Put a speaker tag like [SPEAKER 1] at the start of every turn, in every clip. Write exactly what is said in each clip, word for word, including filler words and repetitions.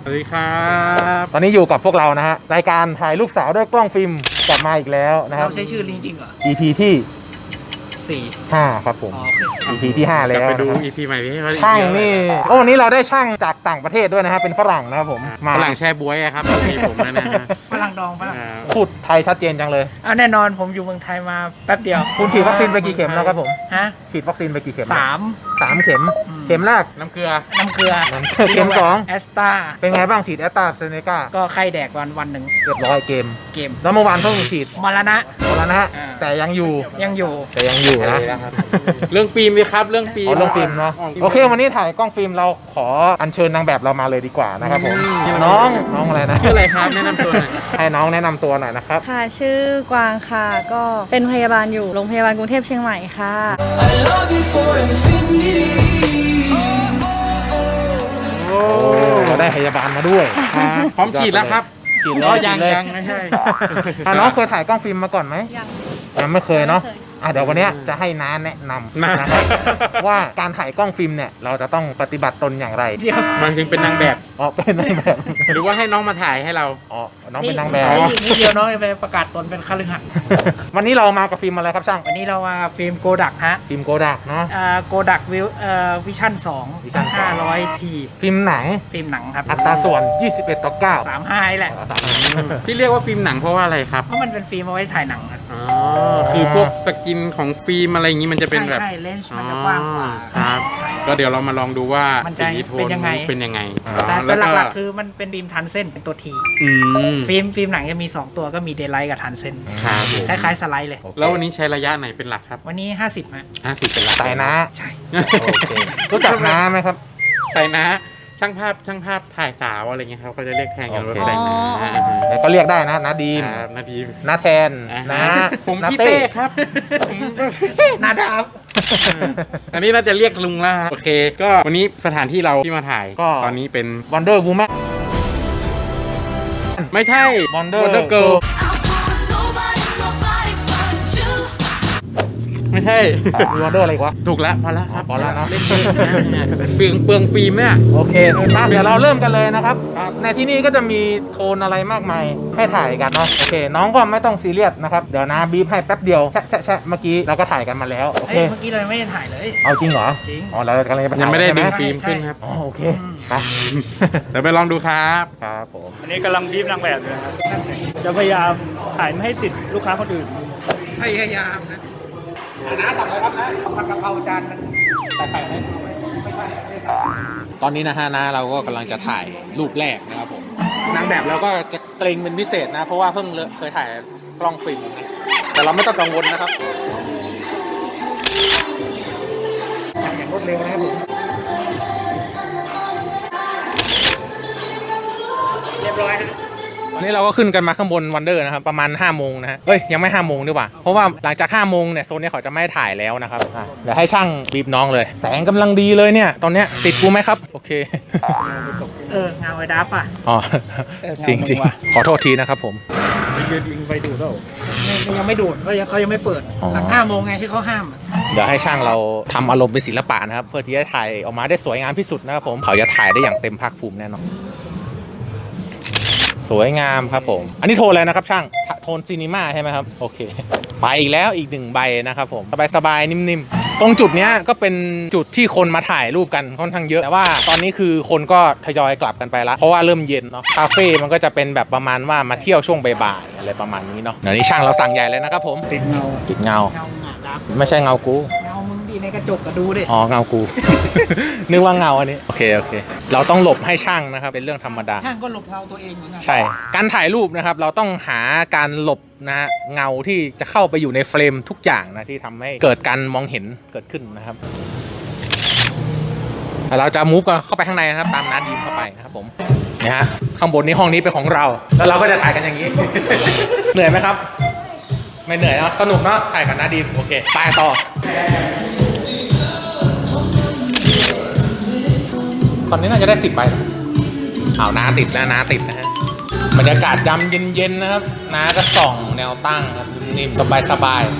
[SPEAKER 1] สวัสดีครับ
[SPEAKER 2] ตอนนี้อยู่กับพวกเรานะฮะรายการถ่ายรูปสาวด้วยกล้องฟิล์มกลับมาอีกแล้วนะครับ
[SPEAKER 3] เราใช้ชื่อจริงๆเหรอ
[SPEAKER 2] อี พี ที่
[SPEAKER 3] สี่
[SPEAKER 2] ห้าครับผม
[SPEAKER 3] อ๋อ
[SPEAKER 2] อี พี ที่ห้า
[SPEAKER 1] ก
[SPEAKER 2] แล้
[SPEAKER 1] ลับ
[SPEAKER 2] ว
[SPEAKER 1] ไปดู
[SPEAKER 2] นะครับ
[SPEAKER 1] อี พี ใหม่ที่เขา
[SPEAKER 2] ช่างนี่โอ้วันนี้เราได้ช่างจากต่างประเทศด้วยนะฮะเป็นฝรั่งนะครับผมมา
[SPEAKER 1] ฝรั่งแช่บ๊วยอะครับมีผมแล้วนะฮะ
[SPEAKER 3] ฝรั่งดองฝรั่ง
[SPEAKER 1] อ่า
[SPEAKER 2] พูดไทยชัดเจนจังเลย
[SPEAKER 3] อ่ะแน่นอนผมอยู่เมืองไทยมาแป๊บเดียว
[SPEAKER 2] คุณฉีดวัคซีนไปกี่เข็มแล้วครับผม
[SPEAKER 3] ฮะ
[SPEAKER 2] ฉีดวัคซีนไปกี่เข็ม
[SPEAKER 3] สาม
[SPEAKER 2] สามเข็ม
[SPEAKER 3] อืม
[SPEAKER 2] เข็มแรก
[SPEAKER 1] น้ำเกลือ
[SPEAKER 3] น้ำเกลือ
[SPEAKER 2] น้ำเกลือเข็มสอง
[SPEAKER 3] แอสตา
[SPEAKER 2] เป็นไงบ้างฉีดแอสตราเซเนกา
[SPEAKER 3] ก็ไข้แดกวันวันหนึ่ง
[SPEAKER 2] เรียบร้อยเกม
[SPEAKER 3] เกม
[SPEAKER 2] แล้วเมื่อวานเพิ่งฉีด
[SPEAKER 3] มรณะ
[SPEAKER 2] หมดแล้วนะฮะ
[SPEAKER 3] อ่า
[SPEAKER 2] แต่ยังอยู่
[SPEAKER 3] ยังอยู่
[SPEAKER 2] แต่ยังอยู่นะ
[SPEAKER 1] เรื่องฟิล์มดีครับเรื่องฟิล์ม
[SPEAKER 2] อ๋อเรื่องฟิล์มเนาะโอเควันนี้ถ่ายกล้องฟิล์มเราขออัญเชิญนางแบบเรามาเลยดีกว่านะครับผมน้องน้องอะไรนะ
[SPEAKER 1] ชื่ออะไรครับแนะนำตัวหน่อย
[SPEAKER 2] ให้น้องแนะนำตัวหน่อยนะครับ
[SPEAKER 4] ค่ะชื่อกวางค่ะก็เป็นพยาบาลอยู่โรงพยาบาลกรุงเทพเชียงใหม่ค่ะ
[SPEAKER 5] I love you for infinity.
[SPEAKER 2] โอ้เราได้พยาบาลมาด้วย
[SPEAKER 1] ครับพร้อมฉีดแล้วครับ
[SPEAKER 2] ฉีด
[SPEAKER 1] อ๋
[SPEAKER 2] แล้
[SPEAKER 1] อ
[SPEAKER 2] ว
[SPEAKER 1] ยัง
[SPEAKER 2] ฉีดเลย
[SPEAKER 1] ยังไม่ใช่
[SPEAKER 2] อ่ะน้องเคยถ่ายกล้องฟิล์มมาก่อนไหม
[SPEAKER 4] ยัง
[SPEAKER 2] ยังไม่เคยเนาะอ่ะเดี๋ยววันเนี้ยจะให้น้าแนะนำ
[SPEAKER 1] นะ
[SPEAKER 2] นะครับว่าการถ่ายกล้องฟิล์มเนี่ยเราจะต้องปฏิบัติตนอย่างไร
[SPEAKER 3] เดี๋ยว
[SPEAKER 1] มันถึงเป็นนางแบบ
[SPEAKER 2] อ๋อเป็นนางแบบ
[SPEAKER 1] หรือว่าให้น้องมาถ่ายให้เรา
[SPEAKER 2] อ๋อน้องเป็นนางแบบ
[SPEAKER 3] นี่นี่เดียวน้องจะไปประกาศตนเป็นคฤหัสถ์
[SPEAKER 2] วันนี้เรามากับฟิล์มอะไรครับช่าง
[SPEAKER 3] วันนี้เรามาฟิล์มโกดักฮะ
[SPEAKER 2] ฟิล์มโกดักเนาะ
[SPEAKER 3] โกดักวิวเอ่อวิชั่นสอง
[SPEAKER 2] Vision สอง
[SPEAKER 3] ห้าร้อยที
[SPEAKER 2] ฟิล์มหนัง
[SPEAKER 3] ฟิล์มหนังครับ
[SPEAKER 2] อัตราส่วน ยี่สิบเอ็ด ต่อ เก้า
[SPEAKER 3] สามห้าแหละ
[SPEAKER 2] อ๋อสาม
[SPEAKER 1] ที่เรียกว่าฟิล์มหนังเพราะว่าอะไรครับ
[SPEAKER 3] เพราะมันเป็นฟิล์มเอาไว้ถ่ายหนังครับ
[SPEAKER 1] อ๋อคือพวกสกินของฟิล์มอะไรอย่างนี้มันจะเป็นแบบ
[SPEAKER 3] ใช่ใช่เลนส์มันจะกว้างกว่า
[SPEAKER 1] อ๋อครับ
[SPEAKER 3] ใช่
[SPEAKER 1] ก็เดี๋ยวเรามาลองดูว่า
[SPEAKER 3] มันจะ
[SPEAKER 1] สีโท
[SPEAKER 3] เป็นยังไง
[SPEAKER 1] เป็นยังไง
[SPEAKER 3] แต่
[SPEAKER 1] อ๋อ
[SPEAKER 3] แต่
[SPEAKER 1] แล้ว
[SPEAKER 3] หลักๆคือมันเป็นฟิล์มทันเส้นเป็นตัวที
[SPEAKER 1] อืม
[SPEAKER 3] ฟิล์มฟิล์มหนังจะมี สอง ตัวก็มีเดย์ไลท์กับทันเส้น
[SPEAKER 1] ครับผม
[SPEAKER 3] คล้ายๆสไลด์เลย
[SPEAKER 1] แล้ววันนี้ใช้ระยะไหนเป็นหลักครับ
[SPEAKER 3] วันนี้ ห้าสิบฮะ
[SPEAKER 1] ห้าสิบเป็นหลัก
[SPEAKER 2] สายน้า
[SPEAKER 3] ใช่
[SPEAKER 2] โอเครู้จักน้าไหมครับ
[SPEAKER 1] ใส่นะช่างภาพช่างภาพถ่ายสาวอะไรเงี้ยครับเขาจะเรียกแทนกันว่า
[SPEAKER 2] โอเค
[SPEAKER 1] ใส่นะ
[SPEAKER 4] อ๋อ
[SPEAKER 2] แต่ก็เรียกได้นะน้าดีม
[SPEAKER 1] ครับนาที
[SPEAKER 2] น้าแทน
[SPEAKER 1] อ่า
[SPEAKER 2] น้า
[SPEAKER 1] ผม
[SPEAKER 2] น้า
[SPEAKER 1] พี่เต้ครับผม
[SPEAKER 3] นาดาบ
[SPEAKER 1] อันนี้น่าจะเรียกลุงแล้วครับโอเค ก็วันนี้สถานที่เราที่มาถ่าย
[SPEAKER 2] ก็
[SPEAKER 1] ตอนนี้เป็น
[SPEAKER 2] วันเดอร์วูแมน
[SPEAKER 1] ไม่ใช่
[SPEAKER 2] Wonder
[SPEAKER 1] Wonder
[SPEAKER 2] Girl
[SPEAKER 1] Girl
[SPEAKER 5] Nobody, nobody but you.
[SPEAKER 1] ไม่ใช่
[SPEAKER 2] วันเดอร์อะไรอีกวะ
[SPEAKER 1] ถูกแล้วพอแล้วครับ
[SPEAKER 2] พอแล้วเนอะ
[SPEAKER 1] เล่นเยอะนะเปลืองเปลืองฟิล์มเนี่ย
[SPEAKER 2] โอเคมาเดี๋ยวเราเริ่มกันเลยนะครับ
[SPEAKER 1] ครับ
[SPEAKER 2] ในที่นี่ก็จะมีโทนอะไรมากมายให้ถ่ายกันเนาะโอเค น้องก็ไม่ต้องซีเรียสนะครับเดี๋ยวนะบีบให้แป๊บเดียวแชะแชะแชะเมื่อกี้เราก็ถ่ายกันมาแล้วโอเค
[SPEAKER 3] เฮ้ยเมื่อกี้เรายังไม่ได้ถ่ายเลย
[SPEAKER 2] เอาจริงเหรอ
[SPEAKER 3] จริง
[SPEAKER 2] อ๋อเรากำลังจะไปถ่า
[SPEAKER 1] ยังไม่ได้
[SPEAKER 2] ใช่ห
[SPEAKER 1] ดึงฟิล์มขึ้นครับ
[SPEAKER 2] อ๋อโอเค
[SPEAKER 3] อืม
[SPEAKER 2] ไป
[SPEAKER 1] เดี๋ยวไปลองดูครับ
[SPEAKER 2] ครับผม
[SPEAKER 6] อันนี้กำลังบีบนางแบบอยู่นะครับจะพยายามถ่ายไม่ให้ติดลูกค้าคนอื่น
[SPEAKER 3] พยายามนะน้าสั่งอะไรครับนะผัดกะเพราจานนึง
[SPEAKER 2] ตอนนี้นะฮะนะเราก็กำลังจะถ่ายรูปแรกนะครับผมนางแบบเราก็จะเกรงเป็นพิเศษนะ เพราะว่าเพิ่งเคยถ่ายกล้องฟิล์มนะแต่เราไม่ต้องกังวลนะครับอย่างรวดเร็วนะครับผม
[SPEAKER 3] เรียบร้อยนะ
[SPEAKER 2] ตอนนี้เราก็ขึ้นกันมาข้างบนวันเดอร์นะครับประมาณห้าโมงนะฮะเอ้ยยังไม่ห้าโมงดีกว่าเพราะว่าหลังจากห้าโมงเนี่ยโซนนี้เขาจะไม่ถ่ายแล้วนะครับอ่ะเดี๋ยวให้ช่างบีบน้องเลย แสงกำลังดีเลยเนี่ยตอนเนี้ยติดกูไหมครับโอเค
[SPEAKER 3] เออเงาไอ้ดับอ่ะ
[SPEAKER 2] อ๋อ
[SPEAKER 3] เออ
[SPEAKER 2] จริงจริง
[SPEAKER 3] เงามึงว่ะ
[SPEAKER 2] ขอโทษทีนะครับผม
[SPEAKER 6] ไปยืนยิงไฟดูดแล้ว
[SPEAKER 3] ไม่ยังไม่ดูดเขายังเขายังไม่เปิด
[SPEAKER 2] อ๋อ
[SPEAKER 3] หลังห้าโมงไงที่เขาห้ามอะ
[SPEAKER 2] เดี๋ยวให้ช่างเราทำอารมณ์เป็นศิลปะนะครับเพื่อที่จะถ่ายออกมาได้สวยงามที่สุดนะครับผมเขาจะถ่ายได้อย่างเต็มภาคภูมิแน่นอนสวยงามครับผมอันนี้โทนอะไรนะครับช่างโทนซีนีมาใช่ไหมครับโอเคไปอีกแล้วอีกหนึ่งใบนะครับผมสบายๆนิ่มๆตรงจุดเนี้ยก็เป็นจุดที่คนมาถ่ายรูปกันค่อนข้างเยอะแต่ว่าตอนนี้คือคนก็ทยอยกลับกันไปแล้วเพราะว่าเริ่มเย็นเนาะคาเฟ่มันก็จะเป็นแบบประมาณว่ามาเที่ยวช่วงบ่ายๆอะไรประมาณนี้เนาะเดี๋ยวนี้ช่างเราสั่งใหญ่เลยนะครับผม
[SPEAKER 6] ติดเงา
[SPEAKER 2] ติดเงา
[SPEAKER 3] เงาหงาดับ
[SPEAKER 2] ไม่ใช่เงากู
[SPEAKER 3] เงามึงดีในกระจกก็ดูดิ
[SPEAKER 2] อ๋อเงากู นึกว่าเงาอันนี้โอเคโอเค เราต้องหลบให้ช่างนะครับเป็นเรื่องธรรมดา
[SPEAKER 3] ช่างก็หลบเงาตัวเองเหมือนกัน
[SPEAKER 2] ใช่ การถ่ายรูปนะครับเราต้องหาการหลบนะฮะเงาที่จะเข้าไปอยู่ในเฟรมทุกอย่างนะที่ทำให้เกิดการมองเห็นเกิดขึ้นนะครับเราจะมูฟกันเข้าไปข้างในนะครับตามนัดดีมเข้าไปนะครับผมนะฮะข้างบนนี้ห้องนี้เป็นของเรา แล้วเราก็จะถ่ายกันอย่างนี้ เหนื่อยไหมครับ ไม่เหนื่อยนะสนุกเนาะถ่ายกับนัดดีมโอเคไปต่อตอนนี้น่าจะได้สิบใบแล้วอ้าวน้าติดนะน้าติดนะฮะบรรยากาศยามเย็นๆนะครับน้าก็ส่องแนวตั้งครับนิ่มๆสบาย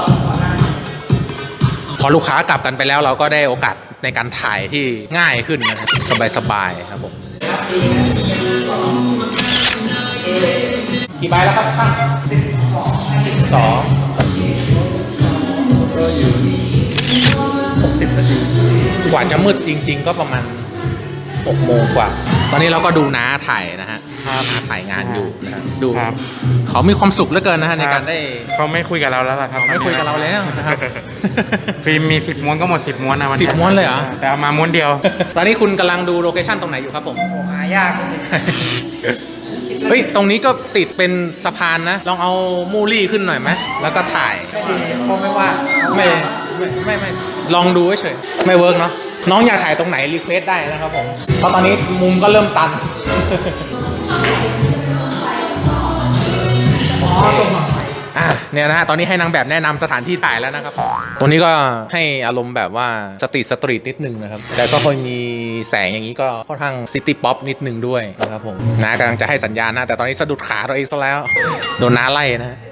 [SPEAKER 2] ๆพอลูกค้ากลับกันไปแล้วเราก็ได้โอกาสในการถ่ายที่ง่ายขึ้นนะครับสบายๆครับผมกี่ใบแล้วครับช่างสองกว่าจะมืดจริงๆก็ประมาณหกโมงกว่า ตอนนี้เราก็ดูน้าถ่ายนะฮะน้าถ่ายงานอยู่นะฮะดู
[SPEAKER 1] ครับ
[SPEAKER 2] เขามีความสุขเหลือเกินนะฮะในการได้
[SPEAKER 1] เขาไม่คุยกับเราแล้วล่ะครับ
[SPEAKER 2] ไม่คุยกับเราแล้วนะครับ
[SPEAKER 1] ฟิล์มมีสิบม้วนก็หมดสิบม้วนนะวัน
[SPEAKER 2] สิบ
[SPEAKER 1] นี้
[SPEAKER 2] ม้วนเลยเหรอ
[SPEAKER 1] แต่เอามาม้วนเดียว
[SPEAKER 2] ตอนนี้คุณกำลังดูโลเคชั่นตรงไหนอยู่ครับผม
[SPEAKER 3] หายาก
[SPEAKER 2] เฮ้ย ตรงนี้ก็ติดเป็นสะพานนะ ลองเอามูลี่ขึ้นหน่อยไหม แล้วก็ถ่าย
[SPEAKER 3] คงไม่ว่า
[SPEAKER 2] ไม่ไม่ไม่ไม่ลองดูเฉยๆไม่เวิร์กเนาะ น้องอยากถ่ายตรงไหนรีเควสได้นะครับผม เพราะตอนนี้มุมก็เริ่มตัน อ่ะเนี่ยนะฮะตอนนี้ให้นางแบบแนะนำสถานที่ถ่ายแล้วนะครับตรงนี้ก็ให้อารมณ์แบบว่าสตรีทสตรีทนิดนึงนะครับแต่ก็ค่อยมีแสงอย่างนี้ก็ค่อนข้างซิตี้ป๊อปนิดนึงด้วยนะครับผมน้ากำลังจะให้สัญญาณนะแต่ตอนนี้สะดุดขาตัวเองซะแล้วโดนน้าไล่นะฮะ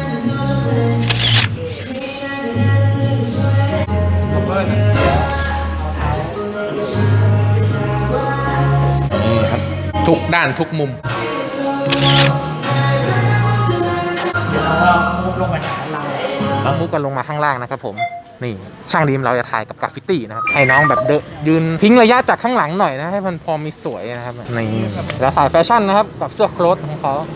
[SPEAKER 2] นี่ครับทุกด้านทุกมุมแล้วมุกกันลงมาข้างล่างนะครับผมนี่ช่างดีมเราจะถ่ายกับกราฟฟิตี้นะครับให้น้องแบบเดนยืนทิ้งระยะจากข้างหลังหน่อยนะให้มันพอมีสวยนะครับนี่แล้วถ่ายแฟชั่นนะครับกับเสื้อโค้ทของเขา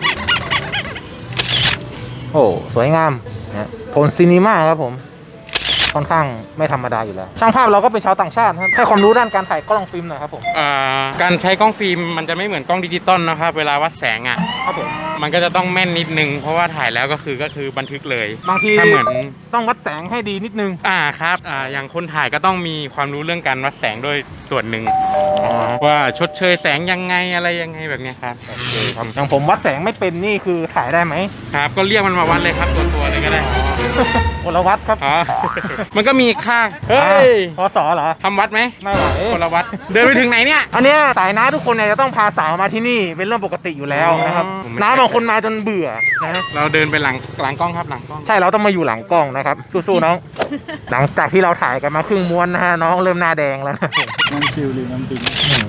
[SPEAKER 2] โอ้สวยงามนะโทนซีนีมาครับผมค่อนข้างไม่ธรรมดาอยู่แล้วช่างภาพเราก็เป็นชาวต่างชาติครับให้ความรู้ด้านการถ่ายกล้องฟิล์มหน่อยครับผม
[SPEAKER 1] อ่าการใช้กล้องฟิล์มมันจะไม่เหมือนกล้องดิจิตอลนะครับเวลาวัดแสงอ่ะ
[SPEAKER 2] ครับผม
[SPEAKER 1] มันก็จะต้องแม่นนิดนึงเพราะว่าถ่ายแล้วก็คือก็คือบันทึกเลย
[SPEAKER 2] บางที
[SPEAKER 1] ถ้าเหมือน
[SPEAKER 2] ต้องวัดแสงให้ดีนิดนึง
[SPEAKER 1] อ่าครับอ่าอย่างคนถ่ายก็ต้องมีความรู้เรื่องการวัดแสงด้วยส่วนหนึ่งว่าชดเชยแสงยังไงอะไรยังไงแบบเนี้ยครับ
[SPEAKER 2] อย่างผมวัดแสงไม่เป็นนี่คือถ่ายได้ไหม
[SPEAKER 1] ครับก็เรียกมันมาวัดเลยครับตัวตัวๆเลยก็ได้
[SPEAKER 2] คนละวัดครับ
[SPEAKER 1] อ๋อ มันก็มีค่าเฮ้ย
[SPEAKER 2] พศเหรอ
[SPEAKER 1] ทำวัดไหม
[SPEAKER 2] ไม่ไหว
[SPEAKER 1] คนละวัดเดินไปถึงไหนเนี่ย
[SPEAKER 2] อันเนี้ยสายน้าทุกคนเนี่ยจะต้องพาสาวมาที่นี่เป็นเรื่องปกติอยู่แล้วนะครับ
[SPEAKER 1] อ๋อผมไม่
[SPEAKER 2] น้าบางคนมาจนเบื่อนะ
[SPEAKER 1] เราเดินไปหลังหลังกล้องครับหลังกล้อง
[SPEAKER 2] ใช่เราต้องมาอยู่หลังกล้องนะครับสู้ๆน้อง หลังจากที่เราถ่ายกันมาครึ่งม้วนนะฮะน้องเริ่มหน้าแดงแล้วนะ
[SPEAKER 6] น้ำคิวหรือน้ำปิง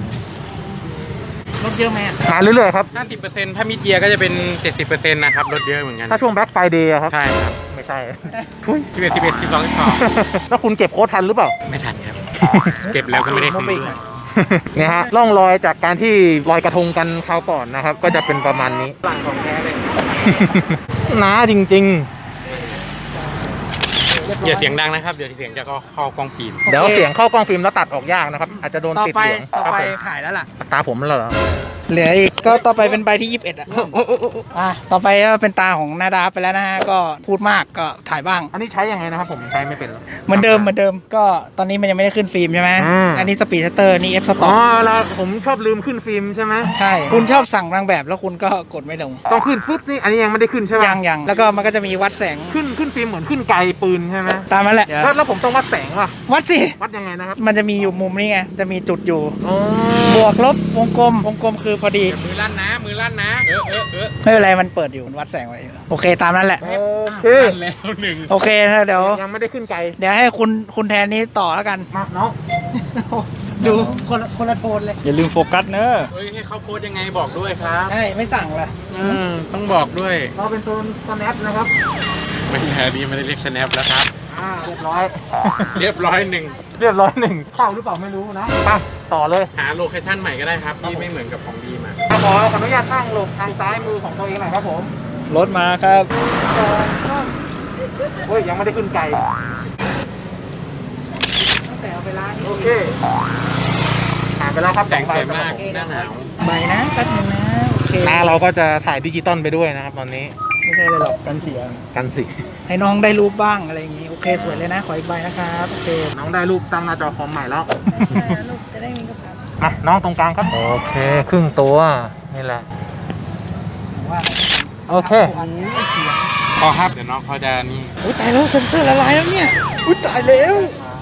[SPEAKER 3] รถเยอะไหม
[SPEAKER 2] มาเรื่อยๆครับ
[SPEAKER 1] ห้าสิบเปอร์เซ็นต์ถ้ามีเจียก็จะเป็น เจ็ดสิบเปอร์เซ็นต์ นะครับลดเยอะเหมือนกัน
[SPEAKER 2] ถ้าช่วงแบ็คไฟเดย์ครับ
[SPEAKER 1] ใช่ครับ
[SPEAKER 2] ไม่ใช่
[SPEAKER 1] สิบเอ็ดสิบเอ็ดสิบสองสิบสอง
[SPEAKER 2] แล้วคุณเก็บโค้ดทันหรือเปล่า
[SPEAKER 1] ไม่ทันครับ เก็บแล้วก็ไม่ได้ซื้อด้วย
[SPEAKER 2] เนี่ยฮะร่องรอยจากการที่ลอยกระทงกันคราวก่อนนะครับ ก็จะเป็นประมาณนี้
[SPEAKER 3] หลังของแท้เลย
[SPEAKER 2] น้าจริง
[SPEAKER 1] อย่าเสียงดังนะครับ เดี๋ยวเสียงจะเข้ากล้องฟิล์ม
[SPEAKER 2] ๆ เดี๋ยวเสียงเข้ากล้องฟิล์มแล้วตัดออกยากนะครับ อาจจะโดน
[SPEAKER 3] ต่อ
[SPEAKER 2] ติด
[SPEAKER 3] ไป
[SPEAKER 2] เหลือง
[SPEAKER 3] ต่อ
[SPEAKER 2] ครับ
[SPEAKER 3] ไป
[SPEAKER 2] ผม
[SPEAKER 3] ถ่ายแล้วล่ะ
[SPEAKER 2] ตาผมแล้วเหรอ
[SPEAKER 3] เหลืออีกก็ต่อไปเป็นใบที่ยี่สิบเอ็ดอ่ะอ่ะต่อไปก็เป็นตาของนาดาไปแล้วนะฮะก็พูดมากก็ถ่ายบ้าง
[SPEAKER 2] อันนี้ใช้ยังไงนะครับผมใช้ไม่เป็นหรอก
[SPEAKER 3] เหมือนเดิมเหมือนเดิมก็ตอนนี้มันยังไม่ได้ขึ้นฟิล์มใช่ไหม
[SPEAKER 2] อืม
[SPEAKER 3] อันนี้สปีดชัตเตอร์นี่เอฟสต็
[SPEAKER 2] อ๋
[SPEAKER 3] อ
[SPEAKER 2] อก เราผมชอบลืมขึ้นฟิล์มใช่ไหม
[SPEAKER 3] ใช่ คุณชอบสั่งนางแบบแล้วคุณก็กดไม่ลง
[SPEAKER 2] ต้องขึ้นปุ๊บนี่อันนี้ยังไม่ได้ขึ้นใช่ไหม
[SPEAKER 3] ยังยังแล้วก็มันก็จะมีวัดแสง
[SPEAKER 2] ขึ้นขึ้นฟิล์มเหมือนขึ้นไกลปืนใช่ไหม
[SPEAKER 3] ตามนั้นแหละ
[SPEAKER 2] แล้วแล้วผมต้องวัดแสงป่ะ
[SPEAKER 3] วัดสิ
[SPEAKER 2] วัดยังไงนะครับ
[SPEAKER 3] มันจะมีอยู่มุมนี้ไงจะมีจุดอยู่
[SPEAKER 2] อ๋อบ
[SPEAKER 3] วกลบวงกลมวงกลมคือพอดี
[SPEAKER 1] มือลั่นนะ มือลั่นนะ เออเออเออ
[SPEAKER 3] ไม่เป็นไรมันเปิดอยู่มันวัดแสงไว้อยู่โอเคตามนั้นแหละ
[SPEAKER 2] โอเค
[SPEAKER 1] ลั่นแล้วหนึ่ง
[SPEAKER 3] โอเคนะเดี๋ยว
[SPEAKER 2] ยังไม่ได้ขึ้นไกล
[SPEAKER 3] เดี๋ยวให้คุณคุณแทนนี้ต่อแล้วกัน
[SPEAKER 2] มาน้อง
[SPEAKER 3] ดูคนละคนละโทนเลย
[SPEAKER 6] อย่าลืมโฟกัสเนอะ
[SPEAKER 1] เฮ้ยให้เขาโพสยังไงบอกด้วยครับ
[SPEAKER 3] ใช่ไม่สั่งละ
[SPEAKER 1] อืมต้องบอกด้วย
[SPEAKER 2] เราเป็นโซน snap นะครับ
[SPEAKER 1] ไม่ใช่นี่ไม่ได้เรียก snap แล้วครับ
[SPEAKER 2] อ่าเรียบร้อย
[SPEAKER 1] เรียบร้อยหนึ่ง
[SPEAKER 2] เรียบร้อยหนึ่งเข้าหรือเปล่าไม่รู้นะไปต่อเลย
[SPEAKER 1] หาโลเคชั่นใหม่ก็ได้ครับที่ไม่เหมือนกับของดีมา
[SPEAKER 2] ขอขออนุญาตตั้งหลบทางซ้ายมือของตัวเองหน่อยครับผม
[SPEAKER 6] รถมาครับ
[SPEAKER 2] เฮ้ยยังไม่ได้ขึ้นไกล
[SPEAKER 3] ตั้งแต่เอาไปล้าง
[SPEAKER 2] โอเคผ่านไปแล้วครับ
[SPEAKER 1] แสงสวยมากหน้าหนาว
[SPEAKER 3] ใบนะแป๊บนึงนะโอเค
[SPEAKER 2] หน้าเราก็จะถ่ายดิจิตอลไปด้วยนะครับตอนนี้
[SPEAKER 3] ไม่ใช่เลยหรอกกันเสีย
[SPEAKER 2] กันสิ
[SPEAKER 3] ให้น้องได้รูปบ้างอะไรอย่างงี้โอเคสวยเลยนะขออีกใบนะครับโอเค
[SPEAKER 2] น้องได้รูปตั้งหน้าจอคอมใหม่แล้ว
[SPEAKER 4] ใช่แล้วลูกจะได้มีกระเป๋า
[SPEAKER 2] มาน้องตรงกลางครับ โอเค ครึ่งตัว นี่แหละ
[SPEAKER 3] ว่า
[SPEAKER 2] โอเค
[SPEAKER 3] โอ้โหเสียง
[SPEAKER 1] พอครับ เดี๋ยวน้องเขาจะนี่
[SPEAKER 3] อุ้ยตายแล้วเซ็นเซอร์ละลายแล้วเนี่ยอุ้ยตายแล้ว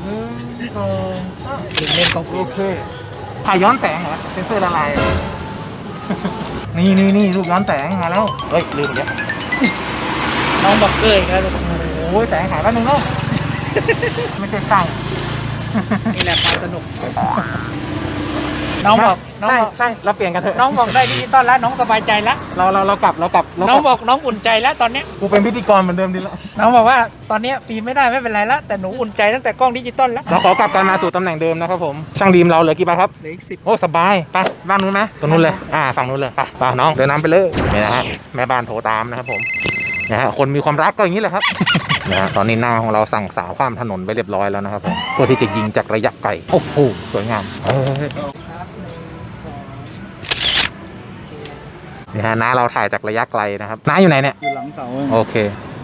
[SPEAKER 3] ลืมเล่นกองฟิ
[SPEAKER 2] โอ
[SPEAKER 3] ล์ม
[SPEAKER 2] เค ถ่ายย้อนแสงเหรอเซนเซอร์ละลาย นี่นี่นี่รูปย้อนแสงมาแล้ว เฮ้ย ลืมอีกแล้ว
[SPEAKER 3] น้องบอกเกยแล้ว
[SPEAKER 2] โอ้ยแสงหายแป๊บนึงเนาะ ไม่ใช่ช่าง
[SPEAKER 3] นี่แหละความสนุกน้องบอกน้อง
[SPEAKER 2] ใช่
[SPEAKER 3] บอก
[SPEAKER 2] ใช่เราเปลี่ยนกันเถอะ
[SPEAKER 3] น้องบอกได้ดิจิตอลแล้วน้องสบายใจแล้ว
[SPEAKER 2] เราเราเรากลับเรากลับเราก
[SPEAKER 3] น้
[SPEAKER 2] ลั
[SPEAKER 3] องบอกน้องอุ่นใจแล้วตอนเนี้ย
[SPEAKER 2] กูเป็นพิธีกรเหมือนเดิมดีแล้ว
[SPEAKER 3] น้องบอกว่าตอนเนี้ยฟิล์มไม่ได้ไม่เป็นไรแล้วแต่หนูอุ่นใจตั้งแต่กล้องดิจิตอลแล้ว
[SPEAKER 2] เราขอกลับกันมาสู่ตำแหน่งเดิมนะครับผมช่างดีมเราเหลือกี่ใบครับ
[SPEAKER 3] เหลืออีกสิบ
[SPEAKER 2] โอ้สบายไปบ้านนู้นไหมตรงนู้นเลยอ่าฝั่งนู้นเลยไปไปน้องเดินน้ำไปเลยนี่นะฮะแม่บ้านโทรตามนะครับผมนะฮะคนมีความรักก็อย่างนี้แหละครับ นะฮะตอนนี้หน้าของเราสั่งสาวข้ามถนนไปเรียบร้อยแล้วนะครับผมเพื่อที่จะยิงจากระยะไกลโอ้โหสวยงามเฮ้ยนี่ฮะน้าเราถ่ายจากระยะไกลนะครับน้าอยู่ไหนเนี่ย
[SPEAKER 6] อยู่หลังเสา
[SPEAKER 2] โอเค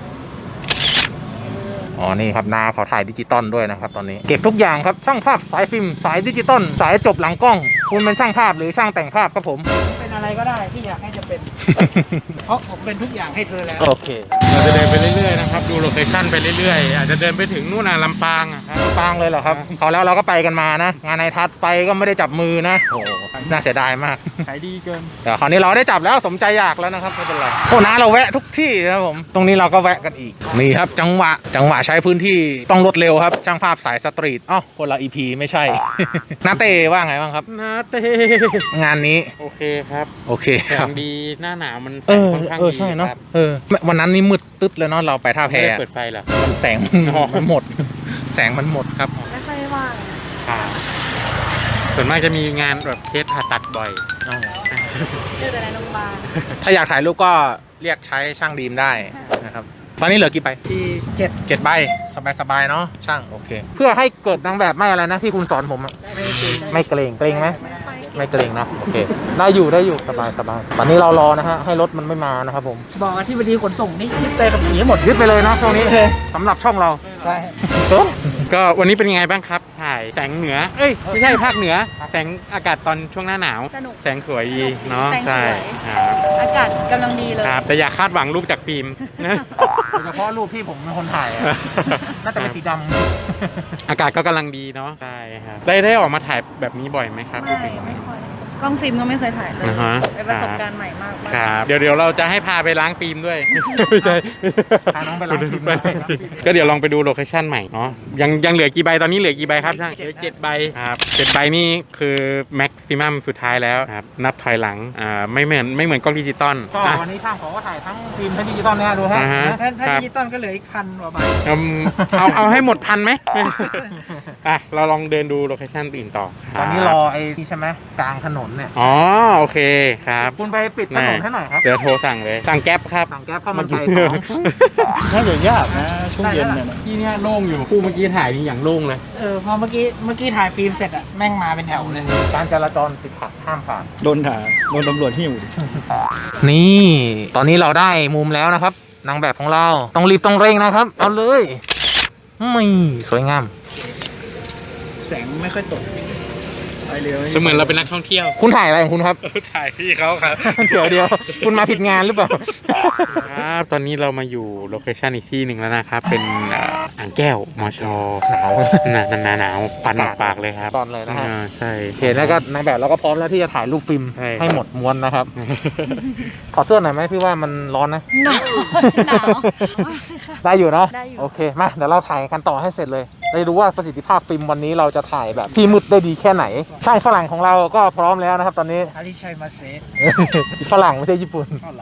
[SPEAKER 2] อ๋อนี่ครับน้าเขาถ่ายดิจิตอลด้วยนะครับตอนนี้เก็บทุกอย่างครับช่างภาพสายฟิล์มสายดิจิตอลสายจบหลังกล้อง คุณเป็นช่างภาพหรือช่างแต่งภาพครับผม
[SPEAKER 3] เป็นอะไรก็ได้ที่อยากให้จะเป็น เพราะผมเป็นทุกอย่างให้เธอแล้ว
[SPEAKER 2] โอเค
[SPEAKER 1] เราจะเดินไปเรื่อยๆนะครับดูโลเคชั่นไปเรื่อยๆอาจจะเดินไปถึงนู่นน่ะลำปางอะครับ
[SPEAKER 2] ฟังเลยเหรอครับเขาแล้วเราก็ไปกันมานะ งานในทัศน์ไปก็ไม่ได้จับมือนะโอ้โหน่าเสียดายมาก
[SPEAKER 6] ขายดีเกิน
[SPEAKER 2] แต่คราวนี้เราได้จับแล้วสมใจอยากแล้วนะครับไม่เป็นไรโอ้นะเราแวะทุกที่นะครับผมตรงนี้เราก็แวะกันอีกนี่ครับจังหวะจังหวะใช้พื้นที่ต้องรวดเร็วครับช่างภาพสายสตรีทอ๋อคนละอีพีไม่ใช่ นาเต้ว่าไงบ้างครับ
[SPEAKER 1] นาเต้
[SPEAKER 2] งานนี้
[SPEAKER 1] โอเคครับ
[SPEAKER 2] โอเค
[SPEAKER 1] แส
[SPEAKER 2] ครับ
[SPEAKER 1] งดีหน้าหนาวมัน
[SPEAKER 2] เออ
[SPEAKER 1] ค่อนข้าง
[SPEAKER 2] เออ
[SPEAKER 1] ดี
[SPEAKER 2] ใช่เนาะ
[SPEAKER 1] ครับ
[SPEAKER 2] เออวันนั้นนี่มืดตึ๊ดเลยเนาะเราไปท่าแพ
[SPEAKER 1] ไม่ได้เปิดไฟเหรอ
[SPEAKER 2] มันแสง
[SPEAKER 1] อ๋อ
[SPEAKER 2] มันหมด แสงมันหมดครับ
[SPEAKER 4] ไม่ค่อยว่าง
[SPEAKER 1] ครับส่วนมากจะมีงานแบบเคสผ่าตัดบ่อย
[SPEAKER 4] เจอแต่ในโรงพยาบาล
[SPEAKER 2] ถ้าอยากถ่ายรูปก็เรียกใช้ช่างดีมได้นะครับตอนนี้เหลือกี่ใบ
[SPEAKER 3] ที่เจ็ด
[SPEAKER 2] เจ็ดใบสบายๆเนาะช่างโอเค เพื่อให้เกิดนางแบบไม่อะไรนะที่คุณสอนผมอะไม่เกรงเกรงไหมไม่เกรงนะโอเคได้อยู่ได้อยู่สบายสบายตอนนี้เรารอนะฮะให้รถมันไม่มานะครับผม
[SPEAKER 3] บอกอธิบดีขนส่งนี่ยึดเตยกับผีให้หมด
[SPEAKER 2] ยึดไปเลยนะช่วงนี้สำหรับช่องเรา
[SPEAKER 3] ใช่
[SPEAKER 1] ก็วันนี้เป็นยังไงบ้างครับ ถ่ายแสงเหนือ เอ้ยไม่ใช่ภาคเหนือ แสงอากาศตอนช่วงหน้าหนาว
[SPEAKER 4] สนุก
[SPEAKER 1] แสงสวยดีเนาะ
[SPEAKER 4] แสงสวย
[SPEAKER 1] ใช่ครับ
[SPEAKER 4] อากาศกำลังดีเลย
[SPEAKER 1] ครับ แต่อย่าคาดหวังรูปจากฟิล์มนะ
[SPEAKER 2] โดยเฉพาะรูปที่ผมเป็นคนถ่ายอะน่าจะเป็นสีด
[SPEAKER 1] อากาศก็กำลังดีเนาะใช่ครับได้ได้ออกมาถ่ายแบบนี้บ่อยไหมครับ
[SPEAKER 4] ไม่ไม่ค่อยกล้องฟิล์มก็ไม่เคยถ่ายเลย
[SPEAKER 1] อ่าฮะ
[SPEAKER 4] เป็นประสบการณ์ใหม่มากๆ
[SPEAKER 1] ครับเดี๋ยวเดี๋ยวเราจะให้พาไปล้างฟิล์มด้วย ไม่ใช่
[SPEAKER 2] ำพาน้องไปล้างฟิล์มด้วย
[SPEAKER 1] ก็เดี๋ยวลองไปดูโลเคชั่นใหม่เนาะยังยังเหลือกี่ใบตอนนี้เหลือกี่ใบครับช่างเหลือเจ็ดใบครับเจ็ดใบนี่คือแม็กซิมัมสุดท้ายแล้วครับนับถอยหลังอ่าไม่เหมือนไม่เหมือนกล้องดิจิตอล
[SPEAKER 2] ก็
[SPEAKER 1] อ่ะ
[SPEAKER 2] วันนี้ช่างขอก็ถ่ายทั้งฟิล์มทั้งดิจิตอลเนี่ยดูฮะ
[SPEAKER 1] อ่าฮะ
[SPEAKER 3] ถ้าถ้า
[SPEAKER 1] ครับ
[SPEAKER 3] ดิจิตอลก็เหลืออีกพันกว่าบาท
[SPEAKER 1] อืมเอาเอาให้หมดพันไหม อ่ะเราลองเดินดูโลเคชั่นอื่นต่อค
[SPEAKER 2] ต
[SPEAKER 1] บ
[SPEAKER 2] อนนี้รอไอ้ที่ใช่ไหมกลางถนนเนี่ย
[SPEAKER 1] อ๋อโอเคครับ
[SPEAKER 2] คุณไปปิดถนนให้หน่อยครับ
[SPEAKER 1] เดี๋ยวโทรสั่งเลยสั่งแก๊ปครับ
[SPEAKER 2] สั่งแก๊ปข้าวมันไก่สอง
[SPEAKER 6] น่าจะยากนะช่วงเย็นเนี่ยนะ
[SPEAKER 1] ที่เนี่ยโล่งอยู่คู่เมื่อกี้ถ่ายนี่อย่างโล่งเลย
[SPEAKER 3] เออพอเมื่อกี้เมื่อกี้ถ่ายฟิล์มเสร็จอะแม่งมาเป็นแถวเลย
[SPEAKER 2] การจราจรติดขัดห้ามผ่าน
[SPEAKER 6] โดนถ่ายโดนตำรวจหิ้ว
[SPEAKER 2] นี่ ตอนนี้เราได้มุมแล้วนะครับ นางแบบของเราต้องรีบต้องเร่งนะครับ เอาเลยไม่สวยงาม
[SPEAKER 6] แสงไม่ค่อยตกไปเร็ว
[SPEAKER 1] เสมือนเราเป็นนักท่องเที่ยว
[SPEAKER 2] คุณถ่ายอะไรของคุณครับ
[SPEAKER 1] ถ่ายพี่เขาครับ
[SPEAKER 2] เดี๋ยวเดี๋ยวคุณมาผิดงานหรือเปล่า
[SPEAKER 1] ครับ ตอนนี้เรามาอยู่โลเคชันอีกที่หนึ่งแล้วนะครับ เป็นเอ่ออ่างแก้วมอชอ
[SPEAKER 2] หนาว
[SPEAKER 1] หนาหนาหนาวควันออกปากเลยครับ
[SPEAKER 2] ตอนเลยนะฮะ
[SPEAKER 1] อ่าใช่
[SPEAKER 2] โอเคแล้วก็นางแบบเราก็พร้อมแล้วที่จะถ่ายรูปฟิล์ม
[SPEAKER 1] ใช่
[SPEAKER 2] ให้หมดม้วนนะครับ ขอเสื้อหน่อยไหมพี่ว่ามันร้อนนะ
[SPEAKER 4] หนาวหนาว
[SPEAKER 2] ได้อยู่เนาะ
[SPEAKER 4] ได้อยู่
[SPEAKER 2] โอเคมาเดี๋ยวเราถ่ายกันต่อให้เสร็จเลยได้รู้ว่าประสิทธิภาพฟิล์มวันนี้เราจะถ่ายแบบที่มืดได้ดีแค่ไหนช่างฝรั่งของเราก็พร้อมแล้วนะครับตอนนี้
[SPEAKER 3] อาริชัยมาเซะ
[SPEAKER 2] ฝรั่งไม่ใช่ญี่ปุ่น
[SPEAKER 3] ขอ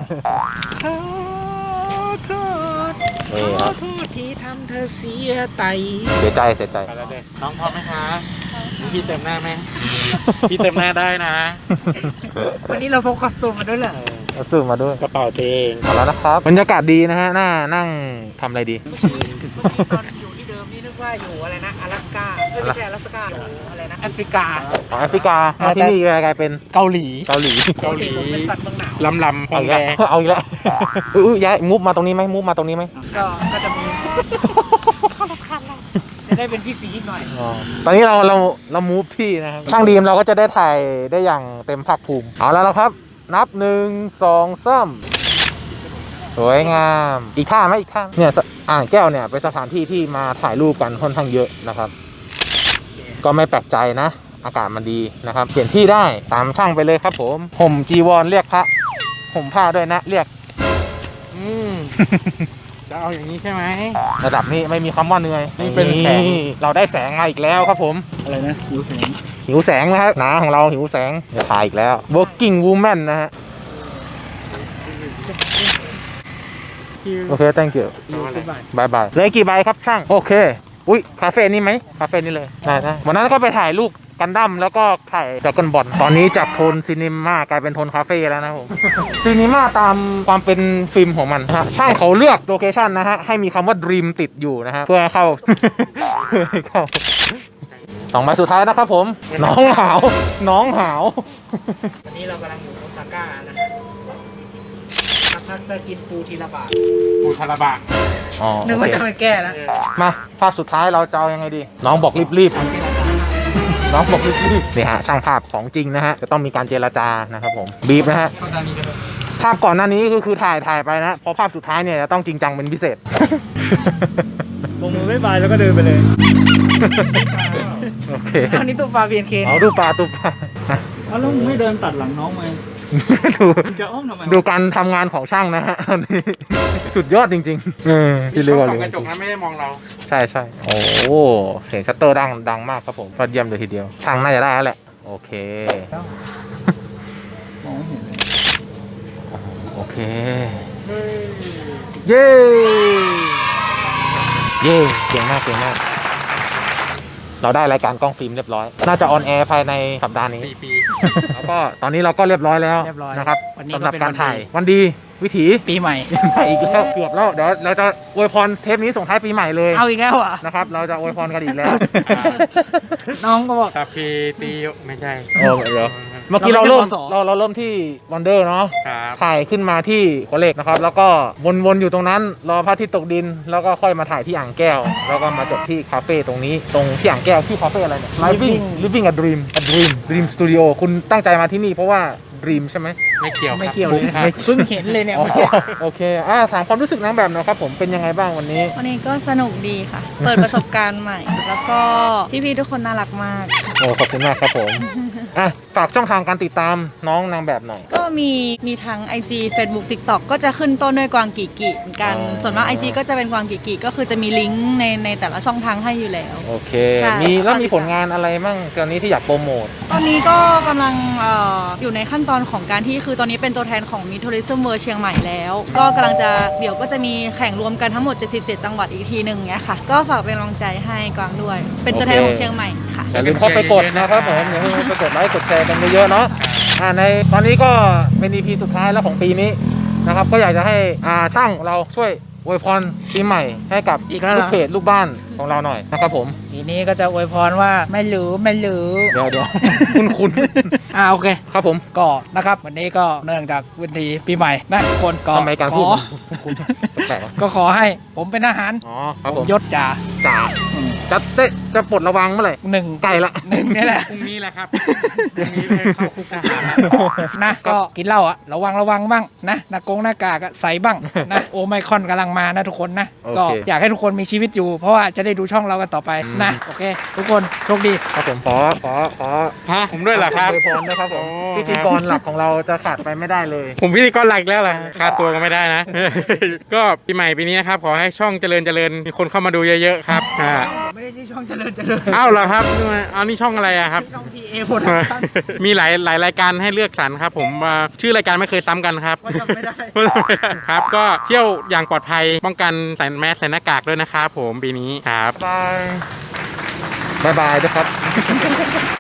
[SPEAKER 3] โทษ
[SPEAKER 2] นี่
[SPEAKER 3] ข
[SPEAKER 2] ค
[SPEAKER 3] อ
[SPEAKER 2] รับ
[SPEAKER 3] โทษที่ทำเธอเสียใจ
[SPEAKER 2] เสียใจเสียใจ
[SPEAKER 1] ไปแล้วเด็กน้องพร้อมไหมคะพี่เติมหน้าไหมพี่เติมหน้าได้นะ
[SPEAKER 3] วันนี้เราพกคอสตูมมาด้วยเหรอ
[SPEAKER 2] เอาซื้อมาด้วย
[SPEAKER 1] กระเป๋าเจง
[SPEAKER 2] เอาแล้วนะครับบรรยากาศดีนะฮะน่านั่งทำอะไรดี
[SPEAKER 3] ตอนอยู่ที่เดิมนี่นึกว่าอยู่อะไรนะ阿拉斯ก้าเอ้ยไม่ใช่阿拉斯ก้าอยู่อะไรนะแอฟริกา
[SPEAKER 2] ของแอฟริกา
[SPEAKER 3] อ่า
[SPEAKER 2] มาที่นี่กลายเป็น
[SPEAKER 3] เกาหลี
[SPEAKER 2] เกาหลี
[SPEAKER 1] เกาหลี
[SPEAKER 3] ผมเป็นสัตว์เมืองหนาว
[SPEAKER 1] ลำลำพ
[SPEAKER 2] เอา
[SPEAKER 1] อง
[SPEAKER 2] อีก
[SPEAKER 1] แด
[SPEAKER 2] แล้วเอาอีกแล้วอื้อย้ายมูฟมาตรงนี้ไหมมูฟมาตรงนี้ไหม
[SPEAKER 3] ก็ก็จะมีจะได้เป็นพี่สีอีกหน่อย
[SPEAKER 2] อ๋อตอนนี้เราเราเรามูฟที่นะครับช่างดีมเราก็จะได้ถ่ายได้อย่างเต็มภาคภูมิเอาแล้วนะครับ นับหนึ่งสองสามสวยงามอีกท่าไหมอีกท่าเนี่ยสอ่างแก้วเนี่ยเป็นสถานที่ที่มาถ่ายรูปกันค่อนข้างเยอะนะครับ ก็ไม่แปลกใจนะ อากาศมันดีนะครับ เปลี่ยนที่ได้ตามช่างไปเลยครับผมห่มจีวรเรียกพระห่มผ้าด้วยนะ เรียก
[SPEAKER 1] อืมจะเอาอย่างนี้ใช่ไหม
[SPEAKER 2] ระดับนี้ไม่มีคำว่าเหนื่อย
[SPEAKER 1] นี่เป็นแสง
[SPEAKER 2] เราได้แสงมาอีกแล้วครับผม
[SPEAKER 6] อะไรนะหิวแสง
[SPEAKER 2] หิหิวแสงนะครับหนาของเราหิวแสงเดี๋ยวถ่ายอีกแล้ว working woman นะฮะโอเค thank you บายบายเลยกี่ใบครับช่างโอเคอุ้ยคาเฟ่นี่ไหมคาเฟ่นี่เลยได้ได้วันนั้นก็ไปถ่ายรูปกันดั้มแล้วก็ถ่ายดราก้อนบอลตอนนี้จากโทนซีนิมากลายเป็นโทนคาเฟ่แล้วนะผม ซีนิมาตามความเป็นฟิล์มของมันฮะช่างเขาเลือกโลเคชันนะฮะให้มีคำว่า Dream ติดอยู่นะฮะเพื่อให้เข้า เพื่อให้เข้าสองใบสุดท้ายนะครับผม น้องหาว น้องหาว
[SPEAKER 3] วันนี้เรากำลังอยู่โอซาก้านะฮะพักๆก็กินปูทีละบาท
[SPEAKER 1] ปูทาราบะ
[SPEAKER 2] อ๋อ
[SPEAKER 3] นึก
[SPEAKER 2] โอ
[SPEAKER 3] ว่า
[SPEAKER 2] เค
[SPEAKER 3] จะไม่แก้แล้ว
[SPEAKER 2] มาภาพสุดท้ายเราจะเอายังไงดี น้องบอกรีบๆน้องบอกรีบๆนี่ฮะช่างภาพของจริงนะฮะจะต้องมีการเจรจานะครับผมบีบนะฮะภาพก่อนหน้านี้ก็คือถ่ายถ่ายไปนะพอภาพสุดท้ายเนี่ยจะต้องจริงจังเป็นพิเศษ
[SPEAKER 6] ลงมือไม่บายแล้วก็เดินไปเลย
[SPEAKER 2] โอเค
[SPEAKER 3] อันนี้ตัวปลาเบียนเคน
[SPEAKER 2] เอาดูปลาดูปลา
[SPEAKER 6] เอาแล้วมึงไม่เดินตัดหลังน้องมา
[SPEAKER 2] ดู
[SPEAKER 6] มึงจะอ้อมทำไม
[SPEAKER 2] ดูการทำงานของช่างนะฮะตอนนี้สุดยอดจริงๆเออที่เรียกว่า
[SPEAKER 1] ส่
[SPEAKER 2] เรี
[SPEAKER 1] อง
[SPEAKER 2] ย
[SPEAKER 1] กระจกนั้นไม่ได้มองเรา
[SPEAKER 2] ใช่ใช่โอ้เสียงชัตเตอร์ดังดังมากครับผมยอดเยี่ยมเลยทีเดียว ช่างน่าจะได้แล้วแหละ โอเค
[SPEAKER 3] มองไม่เห็นเลย
[SPEAKER 2] โอเค เย้ เย้เก่งมากเก่งมาก เราได้รายการกล้องฟิล์มเรียบร้อย น่าจะออนแอร์ภายในสัปดาห์นี้
[SPEAKER 1] สี่ปี
[SPEAKER 2] แล้วก็ตอนนี้เราก็เรียบร้อยแล้ว
[SPEAKER 3] เรียบร้อย
[SPEAKER 2] นะครับ
[SPEAKER 3] วันนี้
[SPEAKER 2] สำหรับ
[SPEAKER 3] ก็เป็น
[SPEAKER 2] การถ่าย
[SPEAKER 3] วันดี
[SPEAKER 2] วันดีวิถี
[SPEAKER 3] ปีใหม่
[SPEAKER 2] ใหม่อีกแล้วเกือบแล้วเดี๋ยวเราจะอวยพรเทปนี้ส่งท้ายปีใหม่เลย
[SPEAKER 3] เอาอีกแล้วอ่ะ
[SPEAKER 2] นะครับ เราจะอวยพรกันอีกแล้ว
[SPEAKER 3] น้องก็บอก
[SPEAKER 1] คาเฟ่ตีไม่ใช่
[SPEAKER 2] เออเดี๋ยวเมื่อกี้เราเริ่ม
[SPEAKER 3] เราไม่ใช่ปส
[SPEAKER 2] เราเราเริ่มที่วันเดอร์เนาะ
[SPEAKER 1] ครับ
[SPEAKER 2] ถ่ายขึ้นมาที่หัวเหล็กนะครับ แล้วก็วนๆอยู่ตรงนั้นรอพระอาทิตย์ตกดิน แล้วก็ค่อยมาถ่ายที่อ่างแก้ว แล้วก็มาจบที่คาเฟ่ตรงนี้ตรงที่อ่างแก้วที่คาเฟ่อะไรเนี่ย Living Living a Dream a Dream Dream Studio คุณตั้งใจมาที่นี่เพราะว่า Dream ใช่ไหม
[SPEAKER 1] ไม่เกี่ยว
[SPEAKER 3] ไม่เกี่ยวเลย
[SPEAKER 1] ครับ
[SPEAKER 3] เพิ่งเห็นเลยเนี่ย
[SPEAKER 2] อ๋อ
[SPEAKER 3] เมื่อกี้
[SPEAKER 2] โอเคอ่าถามความรู้สึกนางแบบหนะครับผมเป็นยังไงบ้างวันนี้
[SPEAKER 4] วันนี้ก็สนุกดีค่ะ เปิดประสบการณ์ใหม่ แล้วก็พี่ๆทุกคนน่ารักมาก
[SPEAKER 2] โอ้ขอบคุณมากครับผม อ่ะฝากช่องทางการติดตามน้องนางแบบหน่อย
[SPEAKER 4] ก็มีมีทั้ง ไอ จี Facebook TikTok ก็จะขึ้นต้นด้วยกวางกีกีเหมือนกัน
[SPEAKER 2] อ๋อ
[SPEAKER 4] ส่วนมาก ไอ จี ก็จะเป็นกวางกีกีก็คือจะมีลิงก์ในในแต่ละช่องทางให้อยู่แล้ว
[SPEAKER 2] โอเค
[SPEAKER 4] ใช่
[SPEAKER 2] มีแล้วมีผลงานอะไรมั่งตอนนี้ที่อยากโปรโมท
[SPEAKER 4] ตอนนี้ก็กำลังเอออยู่ในขั้นตอนของการที่คือตอนนี้เป็นตัวแทนของ Mid Tourism World เชียงใหม่แล้ว ก็กำลังจะเดี๋ยวก็จะมีแข่งรวมกันทั้งหมดเจ็ดสิบเจ็ดจังหวัดอีกทีหนึ่งเนี้ยค่ะ ก็ฝากเป็นกำลังใจให้กวางด้วย เป็นตัวแทนของเชียงใหม่ค่ะ
[SPEAKER 2] อย่าลืมเข้าไปกดนะครับผมอย่าลืมไปกดไลค์กดแชร์กันเยอะๆเนาะอ่าในตอนนี้ก็เป็น อี พี สุดท้ายแล้วของปีนี้นะครับก็อยากจะให้อ่าช่างเราช่วยอวยพรปีใหม่ให้กับ
[SPEAKER 3] อีกแล้วเหรอ
[SPEAKER 2] ลูกเพจลูกบ้านของเราหน่อยนะครับผม
[SPEAKER 3] ทีนี้ก็จะอวยพรว่าไม่หรือไม่หรือ
[SPEAKER 2] เดี๋ยวเดี๋ยว คุณคุณ
[SPEAKER 3] อ่าโอเค
[SPEAKER 2] ครับผม
[SPEAKER 3] ก็นะครับวันนี้ก็เนื่องจากวันที่ปีใหม่นะทุกคนก็
[SPEAKER 2] ทำไมการ
[SPEAKER 3] ข
[SPEAKER 2] พูด
[SPEAKER 3] อ
[SPEAKER 2] มันคุณแปลกๆวะ
[SPEAKER 3] ก็ขอให้ผมเป็นอาหาร
[SPEAKER 2] อ๋อครับผม
[SPEAKER 3] ยศจ่า
[SPEAKER 2] จ่าจะเต้จะปลดระวังเมื่อไหร่
[SPEAKER 3] หนึ่ง
[SPEAKER 2] ใกล้ละ
[SPEAKER 3] หนึ่งนี่แหละ
[SPEAKER 1] พรุ่งนี้แหละครับพรุ่งนี้เลยเข้าคุกทหารแล้ว
[SPEAKER 3] นะก็กินเหล้าอะระวังระวังบ้างนะหน้ากงหน้ากากอะใส่บ้างนะโอไมครอนกำลังมานะทุกคนนะ
[SPEAKER 2] โอเค
[SPEAKER 3] ก็อยากให้ทุกคนมีชีวิตอยู่ เพราะว่าจะได้ดูช่องเรากันต่อไปนะโอเค ทุกคนโชคดี
[SPEAKER 2] ครับผมขอขอขอ
[SPEAKER 1] ฮะผมด้วยเหรอครับ
[SPEAKER 2] อวยพรนะครับผม
[SPEAKER 1] โอ้
[SPEAKER 2] พิธีกรหลักของเราจะขาดไปไม่ได้เลย
[SPEAKER 1] ผมพิธีกรหลักแล้วล่ะค่าตัวก็ไม่ได้นะ ก็ปีใหม่ปีนี้นะครับ ขอให้ช่องเจริญเจริญมีคนเข้ามาดูเยอะๆครับอ่า
[SPEAKER 3] ไม่ได้ชื่อช่องเจริญเจริญ
[SPEAKER 1] อ้าวเหรอครับเอานี่ช่องอะไรอะครับ
[SPEAKER 3] ช่องทีเอโปรดักชั่น
[SPEAKER 1] มีหลายหลายรายการให้เลือกสรรครับ ผมว่าชื่อรายการไม่เคยซ้ำกันครับ
[SPEAKER 3] ว่าจำไม่ได้
[SPEAKER 1] ครับ ก็เที่ยวอย่างปลอดภัยป้องกันใส่แมสใส่หน้ากากด้วยนะครับผมปีนี้ครับ
[SPEAKER 2] บาย บายบายด้วยครับ